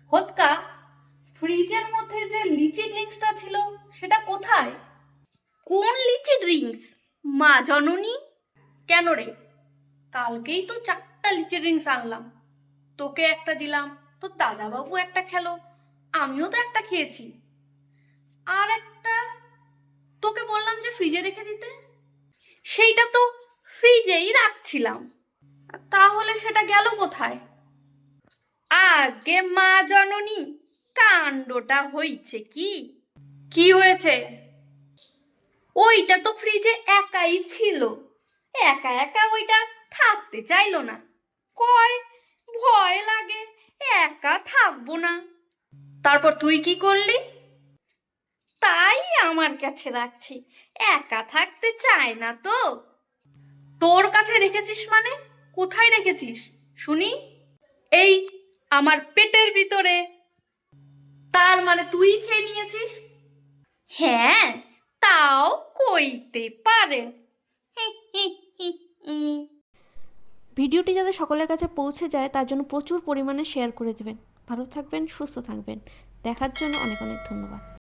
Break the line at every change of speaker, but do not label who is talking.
হোৎকা, ফ্রিজের মধ্যে যে লিচি ড্রিঙ্কসটা ছিল সেটা কোথায়?
কোন লিচি ড্রিঙ্কস মা জননী?
কেন রে, কালকেই তো 4টা লিচি ড্রিঙ্কস আনলাম। তোকে একটা দিলাম, তো দাদাবাবু একটা খেলো, আমিও তো একটা খেয়েছি। আর একটা তোকে বললাম যে ফ্রিজে রেখে দিতে,
সেইটা তো ফ্রিজেই রাখছিলাম।
তাহলে সেটা গেল কোথায়?
আগে মা জননী, কাণ্ডটা হইছে কি?
কি হয়েছে?
ওইটা তো ফ্রিজে একাই ছিল, একা একা ওইটা থাকতে চাইলো না। কয় ভয় লাগে, একা থাকবো না।
তারপর তুই কি করলি?
তাই আমার কাছে রাখছি, একা থাকতে চায় না তো।
তোর কাছে রেখেছিস মানে? কোথায় রেখেছিস শুনি?
এই আমার পেটের ভিতরে।
তার মানে তুই খেয়ে নিয়েছিস?
হ্যাঁ, তাও কইতে পারে।
ভিডিওটি যাতে সকলের কাছে পৌঁছে যায় তার জন্য প্রচুর পরিমাণে শেয়ার করে দেবেন। ভালো থাকবেন, সুস্থ থাকবেন। দেখার জন্য অনেক অনেক ধন্যবাদ।